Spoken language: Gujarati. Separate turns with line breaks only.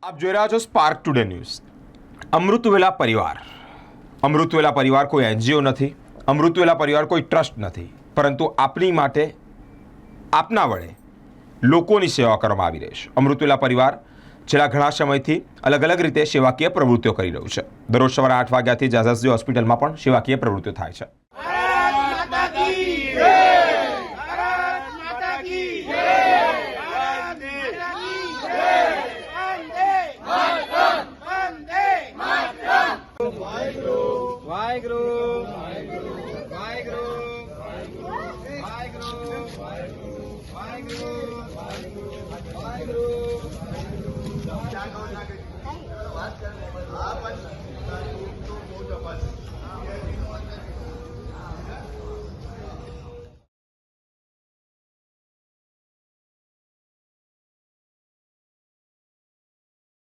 આપ જોઈ રહ્યા છો સ્પાર્ક ટુડે ન્યૂઝ। અમૃતવેલા પરિવાર કોઈ એનજીઓ નથી, અમૃતવેલા પરિવાર કોઈ ટ્રસ્ટ નથી, પરંતુ આપની માટે આપના વડે લોકોની સેવા કરવામાં આવી રહી છે। અમૃતવેલા પરિવાર છેલ્લા ઘણા સમયથી અલગ અલગ રીતે સેવાકીય પ્રવૃત્તિઓ કરી રહ્યું છે। દરરોજ સવારે 8 વાગ્યાથી જાઝાસજી હોસ્પિટલમાં પણ સેવાકીય પ્રવૃત્તિઓ થાય છે।